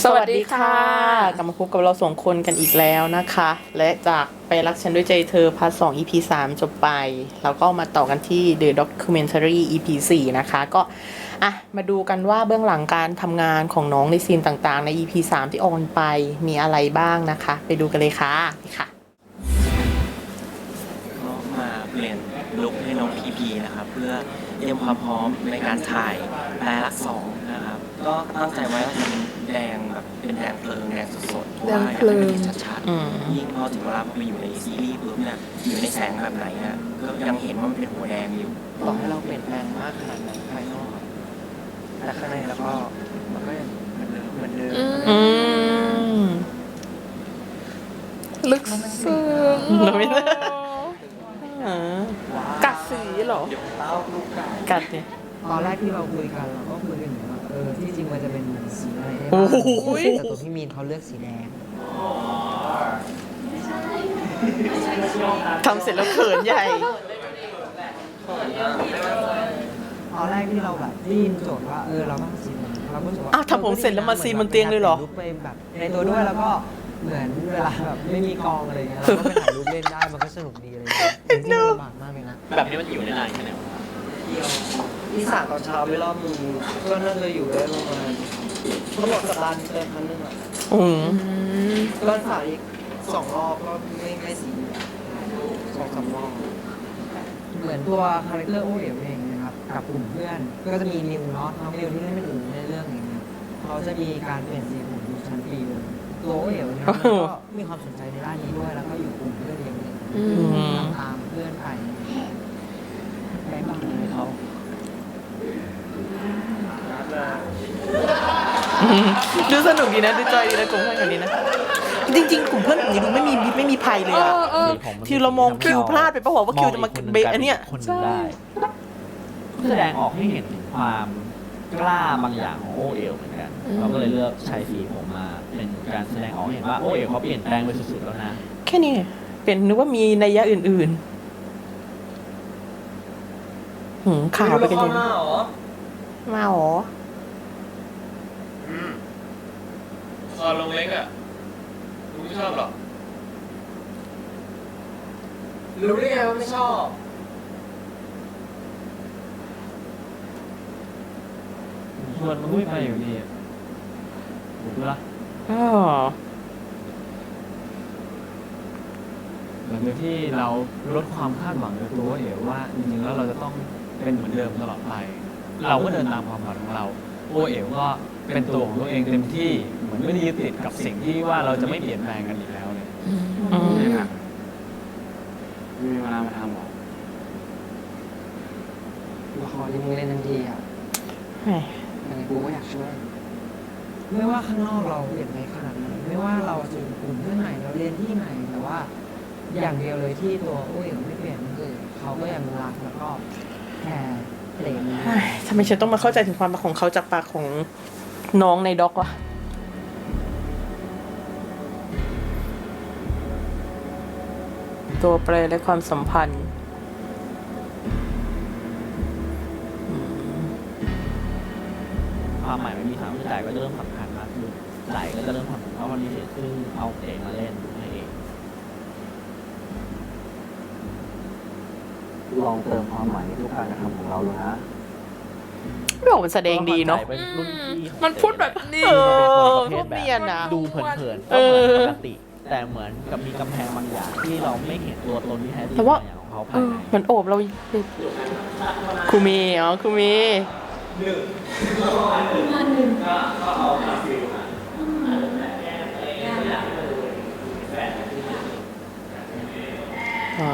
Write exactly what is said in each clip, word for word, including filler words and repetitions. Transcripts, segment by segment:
สวัสดีค่ะกลับมาพบกับเราสองคนกันอีกแล้วนะคะและจากไปรักฉันด้วยใจเธอพาร์ทสอง อี พี สามจบไปแล้วก็มาต่อกันที่ The Documentary อี พี สี่นะคะก็อ่ะมาดูกันว่าเบื้องหลังการทำงานของน้องในซีนต่างๆใน อี พี สามที่ออนไปมีอะไรบ้างนะคะไปดูกันเลยค่ะนี่ค่ะก็มาเปลี่ยนลุคให้น้องพีพีนะครับเพื่อเตรียมความพร้อมในการถ่ายแปลรักสองนะครับก็ตั้งใจไว้ว่าจะเป็นแดงแบบเป็นแดงเพลิงแดงสดๆเพราะว่าอยากให้มันเห็นชัดๆยิ่งพอถึงเวลาพอไปอยู่ในซีรีส์ปุ๊บเนี่ยอยู่ในแสงแบบไหนเนี่ยก็ยังเห็นว่ามันเป็นหัวแดงอยู่ต่อให้เราเปลี่ยนแปลงมากขนาดไหนภายนอกแต่ข้างในแล้วก็มันก็ยังเหมือนเดิมเหมือนเดิมอืมลึกซึ้งเราไม่ได้กัดสีเหรอกัดเนี่ยตอนแรกที่เราคุยกันเราก็คุยกันอยู่ว่าเออที่จริงมันจะเป็นสีอะไรได้โอ้บ้างโหแต่ตัวพี่มีนเขาเลือกสีแดงทำเสร็จแล้วเขินใหญ่ตอนแรกที่เราแบบได้ยินโจทย์ว่าเออเราต้องซีนมันเราก็รู้สึกว่าอ้าวทำผมเสร็จแล้วมาซีนบนเตียงเลยเหรอรูปไปแบบในตัวด้วยแล้วก็เหมือนเวลาแบบไม่มีกองอะไรเงี้ยเราก็ไปถ่ายรูปเล่นได้มันก็สนุกดีอะไรเงี้ยจริงๆมันลำบากมากเลยนะแบบนี้มันอยู่ได้นานแค่ไหนวะที่สามตอนเช้าไปรอบนึงก็น่าจะอยู่ได้ประมาณเขาบอกสัปดาห์นึงเติมครั้งนึงอ่ะอืมก็ถ่ายอีกสองรอบก็ไม่ไม่สีสองสามรอบเหมือนตัวคาแรคเตอร์โอเอ๋วเองนะครับกับกลุ่มเพื่อนก็จะมีนิวเนาะน้องนิวที่เล่นเป็นอู๋ในเรื่องอย่างเงี้ยเขาจะมีการเปลี่ยนสีผมอยู่ชั้นปีเลยตัวโอเอ๋วเนี่ยมันก็มีความสนใจในด้านนี้ด้วยแล้วก็อยู่กลุ่มเพื่อนเองเลยทำตามเพื่อนไปไปบ้างเลยเขาดูสนุกดีนะดูจอยดีนะกลุ่มเพื่อนแบบนี้นะจริงๆกลุ่มเพื่อนแบบนี้ดูไม่มีไม่มีภัยเลยอะที่เรามองคิวพลาดไปปะวะว่าคิวจะมาเบะอันเนี้ยคนหนึ่งได้แสดงออกให้เห็นถึงความกล้าบางอย่างของโอเอ๋วเหมือนกันเราก็เลยเลือกใช้สีผมมาเป็นการแสดงออกให้เห็นว่าโอเอ๋วเขาเปลี่ยนแปลงไปสุดๆแล้วนะแค่นี้เป็นนึกว่ามีนัยยะอื่นๆหืมข่าวไปกันยังมาหรอคอลงเล็กอ่ะลุงไม่ชอบหรอรู้ได้ไงว่าไม่ชอบชวนมันไม่ไปอยู่ดีถูกละอ๋อเหมือนที่เราลดความคาดหวังในตัวโอเอ๋วว่าจริงๆแล้วเราจะต้องเป็นเหมือนเดิมตลอดไป เราก็เดินตามความฝันของเราโอเอ๋วก็เป็นตัวของตัวเองเต็มที่เหมือนไม่ได้ยึดติดกับสิ่งที่ว่าเราจะไม่เปลี่ยนแปลงกันอีกแล้วเลยอืมไม่ค่ะไม่มีเวลามาทำหรอละครที่มึงเล่นทันทีอ่ะแหมยังไงกูก็อยากช่วย ไม่ว่าข้างนอกเราเปลี่ยนไปขนาดไหนไม่ว่าเราจะอยู่กลุ่มเพื่อนไหนเราเรียนที่ไหนแต่ว่า อย่างเดียวเลยที่ตัวโอ้ยไม่เปลี่ยนก็คือเขาก็ยังรักแล้วก็แคร์เพลงนี้เฮ้ยทำไมฉันต้องมาเข้าใจถึงความรักของเขาจากปากของน้องในด็อกวะตัวแปรและความสัมพันธ์อืมความหมายไม่มีทางผู้จ่ายก็จะเริ่มสำคัญมากขึ้นไหลก็จะเริ่มทำเพราะวันนี้เสียซึ่งเอาเอกมาเล่นให้เองลองเติมความหมายในทุกการกระทำของเราดูนะไม่บอกมันแสดงดีเนาะเป็นรุ่นพี่ของมันพูดแบบนี้เออพูดเนียนนะดูเผินๆก็เหมือนปกติ แต่เหมือนกับมีกำแพงบางอย่างที่เราไม่เห็นตัวตนที่แท้จริงแต่ว่าบางอย่างของเขาเอภายอในเหมือนโอบเราครูเมย์อ๋อครูเมย์อ๋อ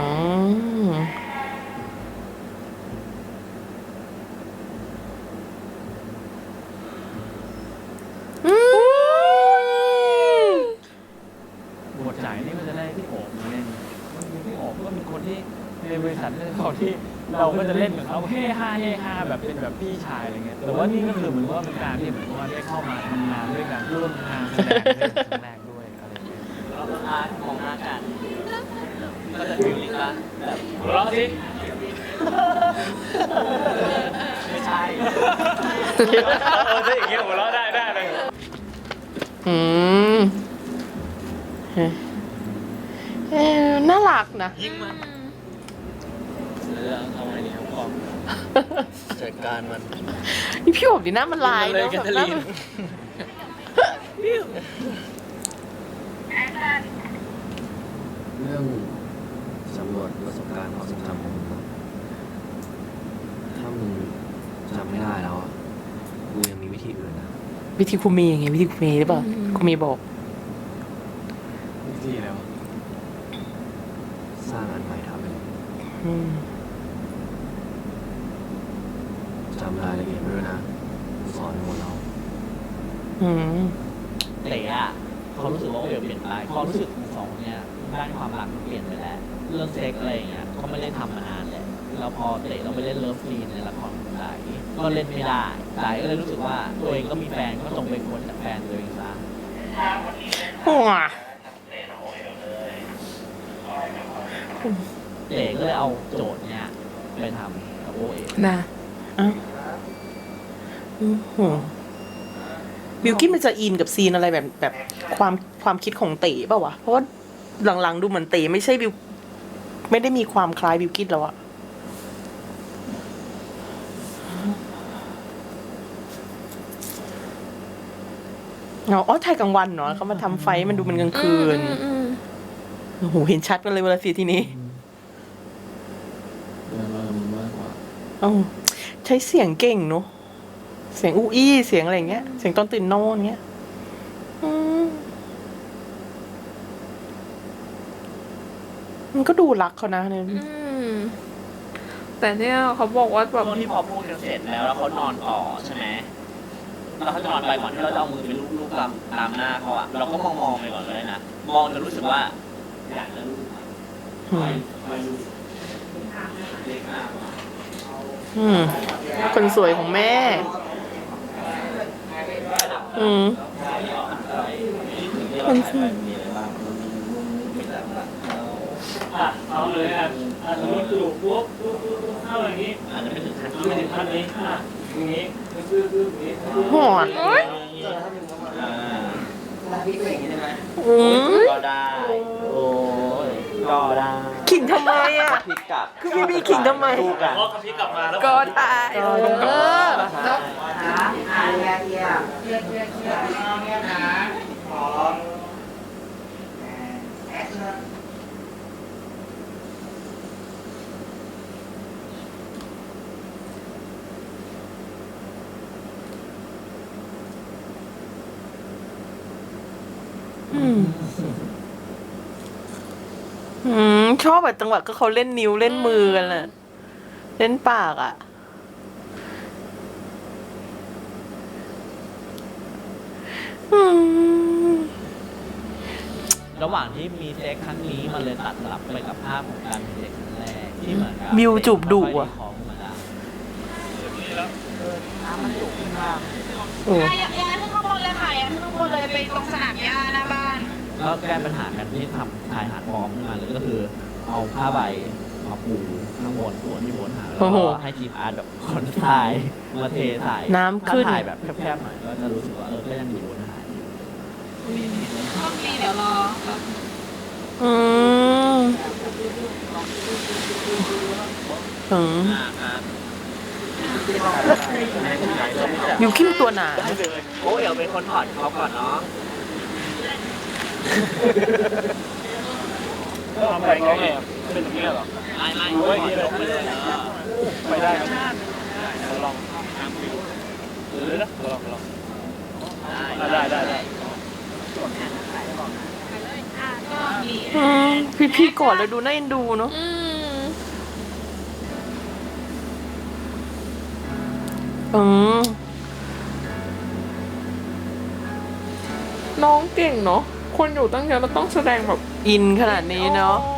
อืมบทจ่ายนี่มันจะได้พี่โอบมาเล่นพี่โอบก็เป็นคนที่ในบริษัทเนี่ยเขาที่เราก็จะเล่นกับเขาเฮ่ฮาเฮ่ฮาแบบเป็นแบบพี่ชายอะไรเงี้ยแต่ว่านี่ก็คือเหมือนว่าเป็นการที่เหมือนว่าได้เข้ามาทำงานด้วยกันร่วมงานแสดงเป็นครั้งแรกด้วยอะไรเงี้ยเราก็อาร์ตมองหน้ากันก็จะฟิลลิ่งละแบบหัวเราะสิไม่ใช่เออถ้าอย่างเงี้ยหัวเราะได้ได้เลยอืมเออน่ารักนะยิงมันเรื่องทำไงดีครับพ่อจัดการมันนี่พี่โอบดีหน้ามันลายเลยเนาะแคทแบบเธอหน้ารีนมันเรื่องสำรวจประสบการณ์ความทรงจำของมึงอะถ้ามึงจำไม่ได้แล้วอะกูยังมีวิธีอื่นนะวิธีครูเมย์ไงวิธีครูเมย์หรือเปล่าครูเมย์บอกวิธีแล้วสร้างอันใหม่ทำไปเลยอืมจำรายละเอียดไว้ด้วยนะกูสอนให้หมดแล้วอืมเต๋อะเขารู้สึกว่าโอเอ๋เปลี่ยนไปความรู้สึกของสองเนี่ยด้านความรักมันเปลี่ยนไปแล้ว เรื่องเซ็กอะไรอย่างเงี้ยเขาไม่ได้ทำมานานแหละแล้วพอเต๋เราไปเล่นเลิฟซีนในละครของไตก็เล่นไม่ได้ไตก็เลยรู้สึกว่าตัวเองก็มีแฟนก็จงเป็นคนจากแฟนตัวเองซะหัวเต๋ก็เลยเอาโจทย์เนี้ยไปทำกับโอเอ๋นะอ้าวอือหือบิวกิ้นมันจะอินกับซีนอะไรแบบแบบความความคิดของเต๋เปล่าวะ เพราะว่าหลังๆดูเหมือนเต๋ไม่ใช่บิวไม่ได้มีความคล้ายบิวกิ้นแล้วอะอ๋ออ๋อถ่ายกลางวันเนาะเขามาทำไฟมันดูมันกลางคืน โอ้โห เห็นชัดกันเลยเวลาสีทีนี้เรื่องเรามึงมากกว่าเอ้าใช้เสียงเก่งเนอะเสียงอู้อี้เสียงอะไรอย่างเงี้ย เสียงตอนตื่นนอนเงี้ยอืมมันก็ดูรักเขานะเนี่ยอืมแต่เนี่ยเขาบอกว่าแบบช่วงที่พอพูดกันเสร็จแล้วแล้วเขานอนต่อใช่ไหมแล้วเขาจะนอนไปก่อนที่เราจะเอามือไปลูบๆตามตามหน้าเขาอะเราก็มองมองๆไปก่อนเลยนะมองจนรู้สึกว่าอยากจะลูบอืมอืมคนสวยของแม่ อืมคนสวยอ่ะเอาเลยอ่ะอ่ะสมมติกระดูกปุ๊บปุ๊บปุ๊บปุ๊บเข้าอย่างนี้อาจจะไม่ถึงขั้นไม่ถึงขั้นนี้อ่ะอย่างนี้ปึ๊บปึ๊บอย่างนี้หอนอ่าอืมก็ได้ โอ้ยก็ได้ขิงทำไมอ่ะพลิกกลับคือพี่บีขิงทำไมสู้กันพอกระพริบกลับมาแล้วก็ได้เอออืม อืม ชอบแบบจังหวะก็เขาเล่นนิ้วเล่นมือกันแหละเล่นปากอ่ะ อืมระหว่างที่มีเซ็กครั้งนี้มันเลยตัดสลับไปกับภาพของการมีเซ็กครั้งแรกที่เหมือนกับมิวจูบดุอะของธรรมดาโอ้อย่าอย่าขึ้นข้างบนเลยค่ะอย่าขึ้นข้างบนเลยไปตรงสนามหญ้าหน้าบ้านก็แก้ปัญหากันที่ทำชายหาดพร้อมขึ้นมาเลยก็คือเอาผ้าใบมาปูข้างบนส่วนที่บนหาดแล้วก็ให้ทีมอาร์ตแบบขนทรายมาเทถ่ายน้ำขึ้นถ้าถ่ายแบบแคบๆหน่อยก็จะรู้สึกว่าเออก็ยังอยู่บนหาดอยู่โชคดีเดี๋ยวรออืมอืมบิวกิ้นตัวหนาโอ้เอ๋เป็นคนถอดเขาก่อนเนาะทำไปไงเนี่ยเป็นอย่างนี้เหรอไม่ไม่โอ้ยถอดลงไปเลยเออไปได้ครับลองหรือนะลองลองได้ได้ได้อืมพี่พี่ๆกอดเลยดูน่าเอ็นดูเนาะอืมอืมน้องเก่งเนาะคนอยู่ตั้งเยอะเราต้องแสดงแบบอินขนาดนี้เนาะ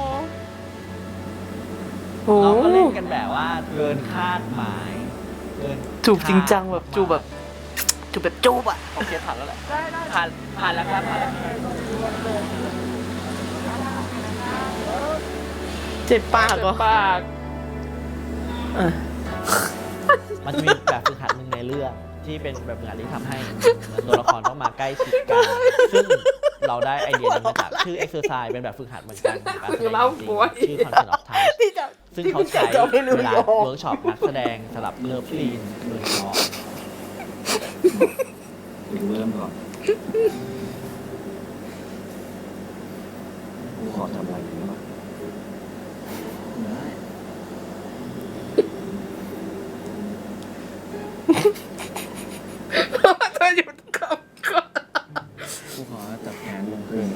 โอ้เราก็เล่นกันแบบว่าเกินคาดหมายเกินจูบจริงจังแบบจูบแบบ จูบแบบจูบอะโอเคผ่านแล้วแหละผ่านผ่านแล้วครับผ่านแล้วเจ็บปากเหรอปากอ่ะมันจะมีแบบฝึกหัดหนึ่งในเรื่องที่เป็นแบบงานที่ทำให้เหมือนตัวละครต้องมาใกล้ชิดกัน ซึ่งเราได้ไอเดียนี้มาจากชื่อ exercise เป็นแบบฝึกหัดเหมือนกันการแสดงจริงๆชื่อ concept of time ที่จะซึ่งที่เขาจะใช้จะไม่รู้เวลาโยงเวิร์กช็อปนักแสดงสำหรับเลิฟซีนโดยเฉพาะกูเริ่มก่อนกูขอทำอะไรอยู่บ้างเธอหยุดก่อนก่อนกูขอจับแขนลงคืน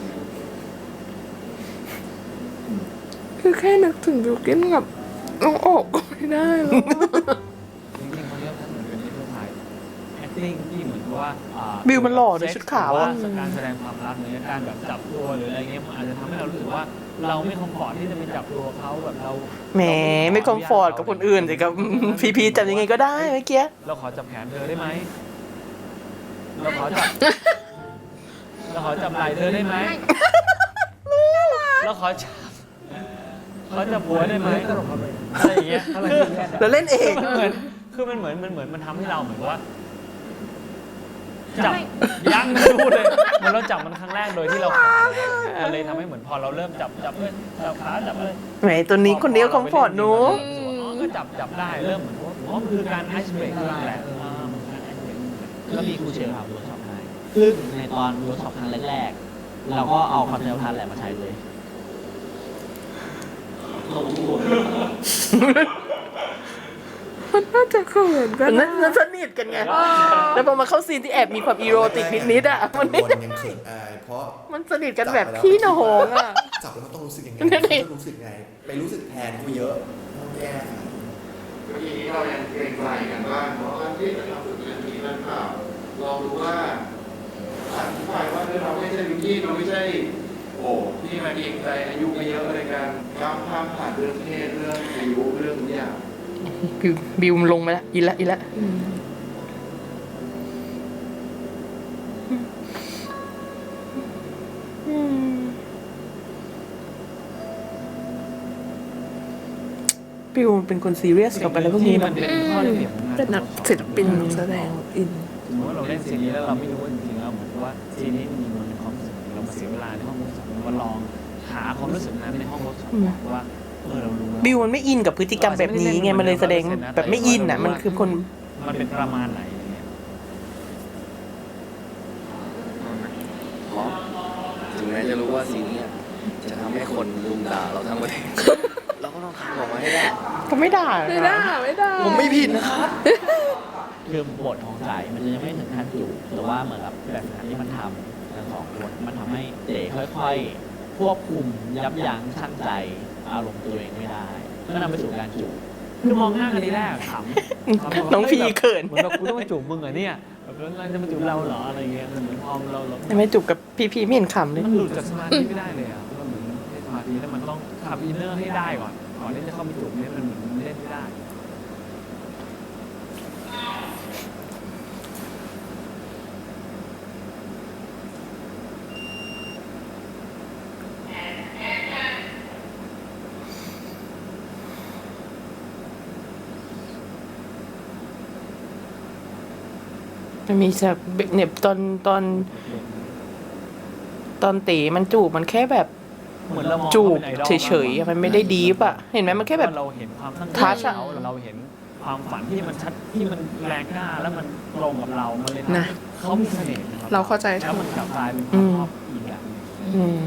คือแค่นึกถึงบิวกินกับน้องโอบก็ไม่ได้แล้วจริงๆเขาเรียกว่าเหมือนเป็นที่ถ่าย acting ที่เหมือนกับว่าอ่าบิวมันหล่อในชุดขาวหรืออ่ะว่าการแสดงความรักหรือการแบบจับตัวหรืออะไรเงี้ยมันอาจจะทำให้เรารู้สึกว่าเราไม่คอมฟอร์ตที่จะไปจับตัวเขาแบบเราแหมไม่คอมฟอร์ตกับคนอื่นสิกับ พีพีจับยังไงก็ได้เมื่อกี้เราขอจับแขนเธอได้ไหมเราขอจับ เราขอจับไหล่เธอได้ไหมเราขอจับขอจับหัวได้ไหมอะไรอย่างเงี้ยคือแล้วเล่นเองมันเหมือนคือมันเหมือนมันเหมือนมันทำให้เราเหมือนว่า จับยังไม่พูดเลยเหมือนเราจับมันครั้งแรกโดยที่เราขามันเลยทำให้เหมือนพอเราเริ่มจับจับเลยจับขาจับเลยแหมตัวนี้คนเดียวคอมฟอร์ตหนูอ๋อก็จับจับได้เริ่มเหมือนว่าอ๋อมันคือการไอซ์เบรกแหละอ่ามันคือการไอซ์เบรกก็มีครูเชลทำเวิร์กช็อปให้ซึ่งในตอนเวิร์กช็อปครั้งแรกๆ เราก็เอาคอนเทนต์ทันแหละมาใช้เลยมันน่าจะเขินกันนั่นนั่นสนิทกันไง แล้วพอมาเข้าซีนที่แอบมีความอีโรติกนิดๆอ่ะ มันไม่บนยังเขินอายเพราะมันสนิทกันแบบพี่น้องอ่ะจับแล้วมันต้องรู้สึกยังไงนั่นดิต้องรู้สึกไง ไปรู้สึกแทนเขาเยอะต้องแย่ค่ะเมื่อกี้เรายังเกรงใจกันบ้างเพราะว่าที่จะทำฝึกงานนี้นั่นเปล่าลองดูว่าอธิบายว่าเราไม่ใช่วิกกี้เราไม่ใช่โอ้ที่มาเกรงใจอายุไม่เยอะในการก้าวข้ามผ่านเรื่องเพศเรื่องอายุเรื่องทุกอย่างบิวบิวมันลงมาแล้วอีละอีละอืมบิวมันเป็นคนซีเรียสกับอะไรพวกนี้มันะนเป็นข้อได้เปรียบของงานเป็นนักศิลปินนักแสดงอินสมมติว่าเราเล่นซีนนี้แล้วเราไม่รู้ว่าจริงๆแล้วเหมือนว่าซีนนี้มันมีมันเป็นความรู้สึกเรามาเสียเวลาในห้องเวิร์กช็อปเรามาลองหาความรู้สึกนั้นในห้องเวิร์กช็อปว่าเออเรารู้แล้วบิวมันไม่อินกับพฤติกรรมแบบนี้ไง มันเลยแสดงแบบไม่อินอ่ะ มันคือคนมันเป็นประมาณไหนอะไรเงี้ยเพราะถึงแม้จะรู้ว่าซีนเนี้ยจะทำให้คนลุมด่าเราทั้งประเทศ เราก็ต้องทำออกมาให้ได้ก็ไม่ด่าไม่ได้ไม่ได้ผมไม่ผิดนะครับคือบทของสายมันยังไม่ถึงขั้นจูบแต่ว่าเหมือนกับแบบงานที่มันทำทั้งสองคนมันทำให้เต๋ค่อยๆ ควบคุมยับยั้งชั่งใจอารมณ์ตัวเองไม่ได้ก็นำไปสู่การจูบคือมองหน้ากันทีแรกขำน้องพีเขินเหมือนแบบกูต้องมาจูบมึงเหรอเนี่ยแบบแล้วเราจะมาจูบเราเหรออะไรเงี้ยเหมือนพอเราเราไม่จูบกับพีพีไม่เห็นขำเลยมันหลุดจากสมาธิไม่ได้เลยอ่ะมันเหมือนให้สมาธิแล้วมันต้องขับอินเนอร์ให้ได้ก่อนก่อนที่จะเข้าไปจูบเนี่ยมันเหมือนมันเล่นไม่ได้มันมีฉากเนี่ยตอนตอน ตอนเต๋มันจูบมันแค่แบบเหมือนเรามองจูบขาป็นไอดอลเฉยๆอะมันไม่ได้ดีฟอะเห็นไหมมันแค่แบบเราเห็นความตั้งใจทัชอะเขาเราเห็นความฝันที่มันชัดที่มันแรงกล้าแล้วมันตรงกับเรา มันเลยทำนะให้เขามีเสน่ห์นะครับเราเข้าใจแล้วถูมันกกลับกลายเป็นความชอบอีกอย่างหนึ่งอืม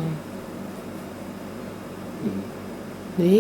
นี่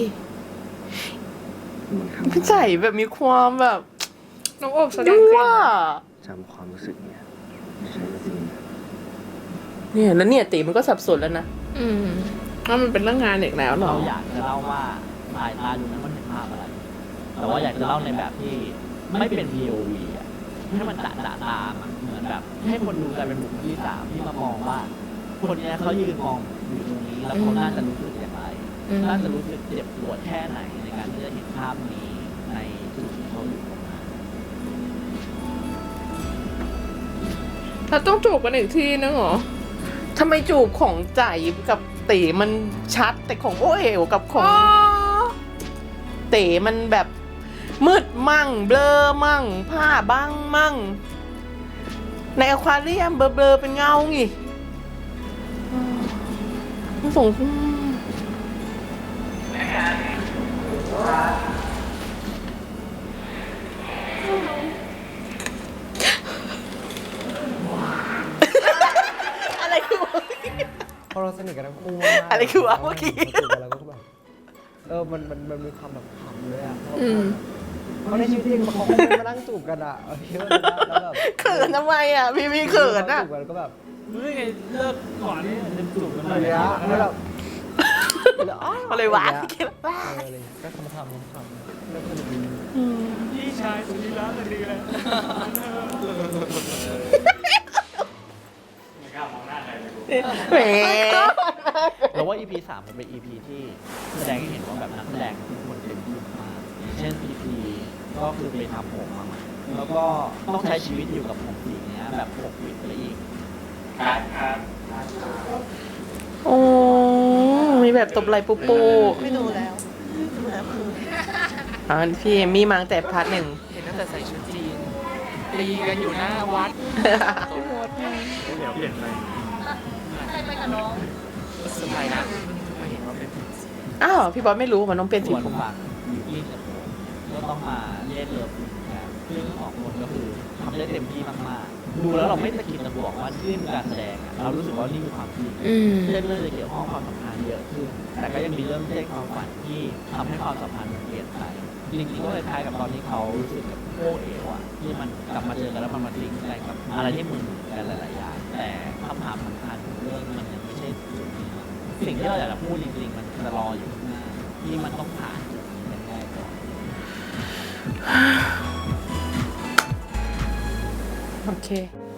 พี่ใจแบบมีความแบบน้องโอบแสดงยั่เก่วงจำความรู้สึกเนี่ยไม่ใช่ซีนเนี่ยแล้วเนี่ยเต๋มันก็สับสนแล้วนะอืมว่ามันเป็นเรื่องงานอีกแล้วเหรอเราอยากจะเล่าว่าสายตาดูนั้นมันเห็นภาพอะไร แต่ว่าอยากจะเล่าในแบบที่ไม่เป็น พี โอ วี อ่ะให้มันจะจะตามอะเหมือนแบบให้คนดูกลายเป็นบุคคลที่สามที่มามองว่า คนเนี้ยเขายืนมองอยู่ตรงนี้แล้วเขาน่าจะรู้สึกอย่างไรอืมน่าจะรู้สึกเจ็บปวดแค่ไหนในการที่จะเห็นภาพนี้ในจุดที่เขาอยู่ตรงนั้นเราต้องจูบกันอีกทีนึงเหรอทำไมจูบของใจกับเต๋มันชัดแต่ของโอเอ๋วกับของอ๋อเต๋มันแบบมืดมั่ง เบลอมั่ง ผ้าบ้างมั่งในอควาเรียมเบลอๆเป็นเงาไงมันส่งอะไรคือวะพอเราสนิทกันทั้งคู่มากๆอะไรคือวะเมื่อกี้ราจูบกันแล้วก็แบบเออมันมันมันมีความแบบขำเลยอ่ะอืมเพราะในชีวิตจริงเขาไม่ได้มานั่งจูบกันอ่ะเออเยอะเลยนะแล้วแบบเขินทำไมอ่ะ พี่พี่เขินอ่ะจูบกันแล้วก็แบบเฮ้ยไงเลิกก่อนนี่จะจูบกันอะไรเลยเงี้ยแล้วแบบแล้วอ๋ออะไรวะอย่างเงี้ยเอออะไรเงี้ยก็ทำทำทำแล้วก็แบบพี่ชายสุดที่รักเลยดีเลยไม่กล้ามองหน้าใครเลยกูแหมเราว่า อี พี สามมันเป็น อี พี ที่แสดงให้เห็นว่าแบบนักแสดงทุกคนเต็มที่มากอย่างเช่น พี พี ก็คือไปทำผมมาใหม่แล้วก็ต้องใช้ชีวิตอยู่กับผมสีเนี้ยแบบปกปิดไปอีกครับครับโอ้มีแบบตบไหล่ปูปูไม่ดูแล้วอ่าพี่เอมมี่มาตั้งแต่พาร์ทหนึ่งเห็นตั้งแต่ใส่ชุดจีนตีกันอยู่หน้าวัดเดี๋ยวเปลี่ยนไปใครไปกับน้องสบายนะมาเห็นว่าเป็นอ้าวพี่บอสไม่รู้มันต้องเป็นสีส่วนผมฝั่งยูกินกับผมก็ต้องมาเล่นเลิฟซีนกันซึ่งสองคนก็คือทำได้เต็มที่มากๆ ดูแล้วเราไม่ตะกิดตะบวกว่านี่คือการแสดงอะเรารู้สึกว่านี่คือความจริงอืมเรื่องเรื่องจะเกี่ยวข้องความสัมพันธ์เยอะขึ้น แต่ก็ยังมีเรื่องเส้นความฝันที่ทำให้ความสัมพันธ์มันเปลี่ยนไปจริงๆก็คล้ายๆกับตอนที่เขารู้สึกกับโอเอวอะที่มันกลับมาเจอกันแล้วมันมาลิงก์อะไรกับอะไรที่เหมือนกันหลายๆอย่างแต่คำถามสำคัญของเรื่องมันยังไม่ใช่จุดนี้นะสิ่งที่เราอยากจะพูดจริงๆมันจะรออยู่ข้างหน้าที่มันต้องผ่านจุดนี้กันได้ก่อนโอเค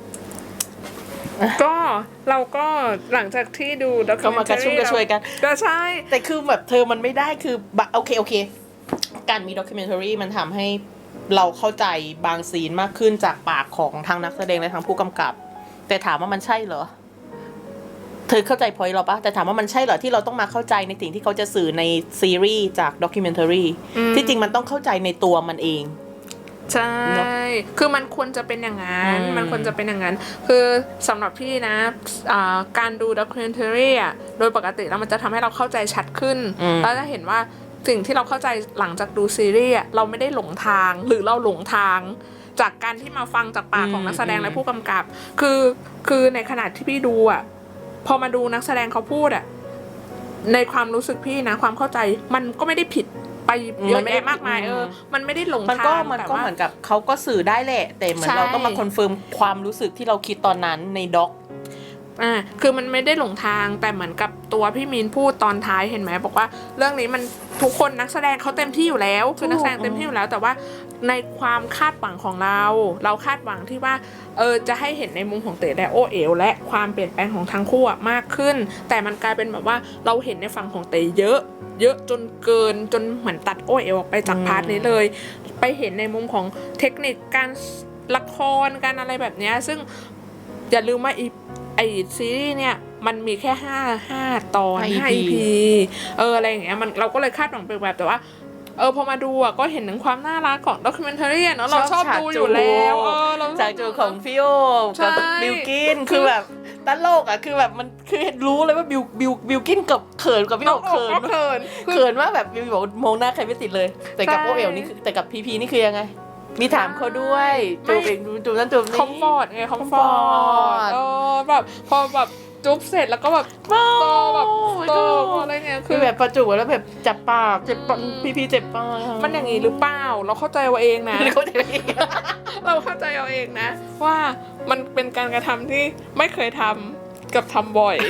ก็เราก็หลังจากที่ดูด็อกก็มากระชุ่มกระชวยกันก็ใช่แต่คือแบบเธอมันไม่ได้คือบะโอเคโอเค การมีด็อกิเมนทารีมันทำให้เราเข้าใจบางซีนมากขึ้นจากปากของทางนักแสดงและทางผู้กำกับ แต่ถามว่ามันใช่เหรอ เธอเข้าใจพอยต์เราปะแต่ถามว่ามันใช่เหรอที่เราต้องมาเข้าใจในสิ่งที่เขาจะสื่อในซีรีส์จากด็อกิเมนทารีที่จริงมันต้องเข้าใจในตัวมันเองใช่ คือมันควรจะเป็นอย่างนั้นอืมมันควรจะเป็นอย่างนั้น คือสำหรับพี่นะอ่าการดูด็อกิเมนทารีอ่ะ โดยปกติแล้วมันจะทำให้เราเข้าใจชัดขึ้น แล้วจะเห็นว่าสิ่งที่เราเข้าใจหลังจากดูซีรีส์อ่ะเราไม่ได้หลงทาง หรือเราหลงทาง จากการที่มาฟังจากปากของนักแสดงและผู้กำกับ คือ คือในขณะที่พี่ดูอ่ะ พอมาดูนักแสดงเขาพูดอ่ะ ในความรู้สึกพี่นะ ความเข้าใจ มันก็ไม่ได้ผิดไปเยอะแยะมากมายเออ มันไม่ได้หลงมันทางก็มันแต่ก็ว่าเหมือนกับเขาก็สื่อได้แหละ แต่เหมือนใช่เราต้องมาคอนเฟิร์มความรู้สึกที่เราคิดตอนนั้นในด็อกอ่าคือมันไม่ได้หลงทางแต่เหมือนกับตัวพี่มีนพูดตอนท้ายเห็นไหมบอกว่าเรื่องนี้มันทุกคนนักแสดงเขาเต็มที่อยู่แล้วคือนักแสดงเต็มที่อยู่แล้ว แต่ว่าในความคาดหวังของเรา เราคาดหวังที่ว่าเออจะให้เห็นในมุมของเต๋และโอเอ๋วและความเปลี่ยนแปลงของทั้งคู่อะมากขึ้น แต่มันกลายเป็นแบบว่าเราเห็นในฝั่งของเต๋เยอะ เยอะจนเกินจนเหมือนตัดโอเอ๋วออกไปจากพาร์ทนี้เลย ไปเห็นในมุมของเทคนิคการละครการอะไรแบบเนี้ยซึ่งอย่าลืมว่าอีไอซีรีส์เนี่ยมันมีแค่ห้าห้าตอนห้าห้าอีอีพีพีเอออะไรอย่างเงี้ยมันเราก็เลยคาดหวังไปแบบแต่ว่าเออพอมาดูอ่ะก็เห็นถึงความน่ารักของด็อกิเมนทารีเนาะเราชอบดูอยู่แล้วเออเราจากจูของฟิโอใช่กับบิลกินคือแบบตลกอ่ะคือแบบมันคือรู้เลยว่าบิลบิลบิลกินกับเขินกับพี่โอเขินก็เขินเขินมากแบบบิลบอกมองหน้าใครไม่ติดเลย แต่กับใช่โอเอลนี่คือแต่กับพีพีนี่คือยังไง มีถามเขาด้วยจูบเองจูบนั่นจูบนี่คอมฟอร์ตไงคอมฟอร์ comfort ตเออแบบพอแบบจุ๊บเสร็จแล้วก็แบบโตแบบโตอะไรเงี้ยคืคือ อแบบประจุแล้วแบบจับปากเจ็บปากอืมพีพีเจ็บปากมันอย่างนี้หรือเปล่าเราเข้าใจเอาเองนะเขาจะได้เราเข้าใจเอาเองนะ ว่ามันเป็นการกระทำที่ไม่เคยทำกับทำบ่อย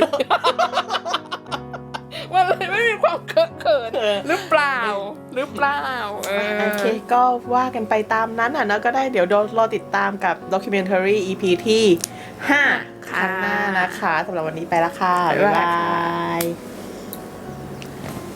มันเลยไม่มีความเคอะเขินหรือเปล่าหรือเปล่าเออโอเคก็ว่ากันไปตามนั้นอ่ะนะก็ได้เดี๋ยวรอติดตามกับ documentary อี พี ที่ห้าครั้งหน้านะคะสำหรับวันนี้ไปละค่ะ บ๊ายบาย